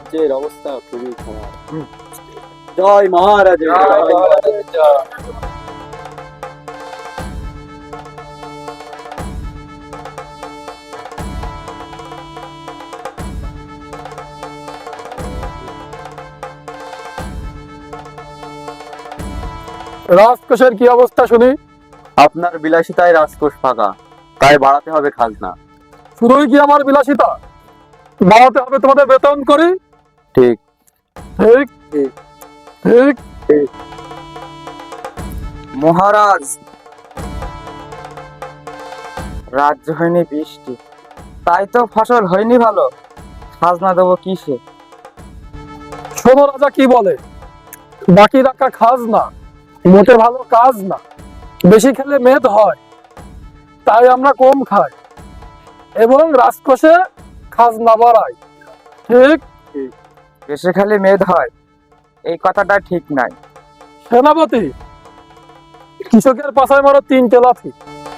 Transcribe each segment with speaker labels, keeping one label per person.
Speaker 1: রাজ্যের অবস্থা খুবই খারাপ। জয় মহারাজ, জয় মহারাজ, জয়।
Speaker 2: রাজকোষের কি অবস্থা শুনি?
Speaker 1: আপনার বিলাসিতায় রাজকোষ ফাঁকা, তাই বাড়াতে হবে খাজনা।
Speaker 2: শুধুই কি আমার বিলাসিতা? বাড়াতে হবে তোমাদের বেতন করি।
Speaker 1: ঠিক
Speaker 2: ঠিক
Speaker 1: ঠিক
Speaker 2: ঠিক।
Speaker 1: মহারাজ, রাজ্য হয়নি বৃষ্টি, তাই তো ফসল হয়নি ভালো। খাজনা দেবো কিসে?
Speaker 2: শোনো রাজা কি বলে, বাকি রাখা খাজ না, মোটে ভালো কাজ না। বেশি খেলে মেদ হয়, তাই আমরা কম খাই এবং রাজকোষে খাজনা বাড়াই। ঠিক।
Speaker 1: বেশি খালি মেদ হয়, এই কথাটা ঠিক নাই।
Speaker 2: সেনাপতি, কৃষকের পাশায় মারো 3টে লাথি।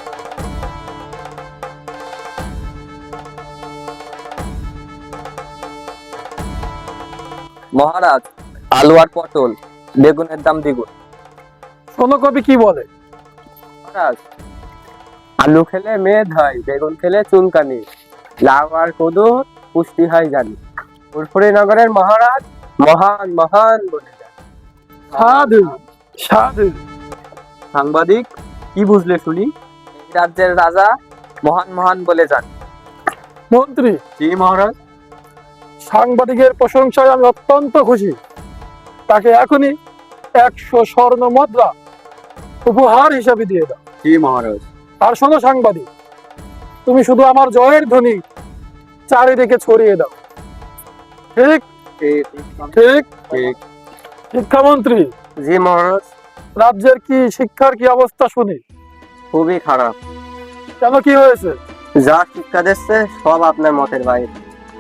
Speaker 1: মহারাজ, আলু আর পটল, বেগুনের দাম দ্বিগুণ।
Speaker 2: শোনো কবি কি বলে,
Speaker 1: মহারাজ, আলু খেলে মেদ হয়, বেগুন খেলে চুলকানি, লাউ আর কদু পুষ্টি হয় জানি। ফুরফুরি নগরের মহারাজ মহান মহান বলে যান।
Speaker 2: সাধু সাধু।
Speaker 1: সাংবাদিক, কি বুঝলে শুনি? এই রাজ্যের রাজা মহান মহান বলে যান।
Speaker 2: মন্ত্রী,
Speaker 1: জি মহারাজ।
Speaker 2: সাংবাদিকের প্রশংসায় আমি অত্যন্ত খুশি। তাকে এখনই 100 স্বর্ণ মুদ্রা উপহার হিসাবে দিয়ে দাও।
Speaker 1: জি মহারাজ।
Speaker 2: আর শোনো সাংবাদিক, তুমি শুধু আমার জয়ের ধ্বনি চারিদিকে ছড়িয়ে দাও। ঠিক
Speaker 1: ঠিক
Speaker 2: ঠিক।
Speaker 1: ঠিক।
Speaker 2: শিক্ষামন্ত্রী,
Speaker 1: জি মহারাজ।
Speaker 2: রাজ্যের কি শিক্ষার কি অবস্থা শুনি?
Speaker 1: খুবই খারাপ।
Speaker 2: কেন, কি হয়েছে?
Speaker 1: যা শিক্ষা দিচ্ছে সব আপনার মতের বাইরে।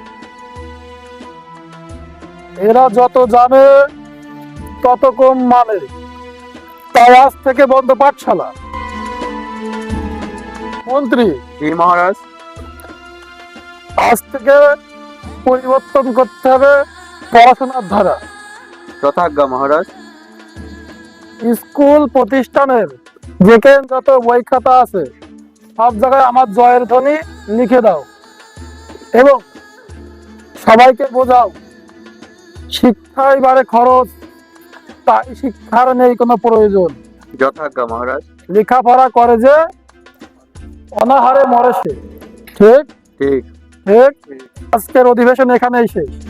Speaker 2: এরা যত জানে তত কম মানে, তাই আজ থেকে বন্ধ পাঠশালা। মন্ত্রী,
Speaker 1: জি মহারাজ।
Speaker 2: আজ থেকে পরিবর্তন করতে হবে পড়াশোনার ধারা।
Speaker 1: যথাজ্ঞা মহারাজ।
Speaker 2: স্কুল প্রতিষ্ঠানের যেখানে যত বই খাতা আছে সব জায়গায় আমার জয়ের ধ্বনি লিখে দাও এবং সবাইকে বোঝাও শিক্ষায় বাড়ে খরচ, তাই শিক্ষার নেই কোনো প্রয়োজন।
Speaker 1: যথাজ্ঞা মহারাজ।
Speaker 2: লেখাপড়া করে যে অনাহারে মরে সে। ঠিক
Speaker 1: ঠিক
Speaker 2: ঠিক। আজকের অধিবেশন এখানেই শেষ।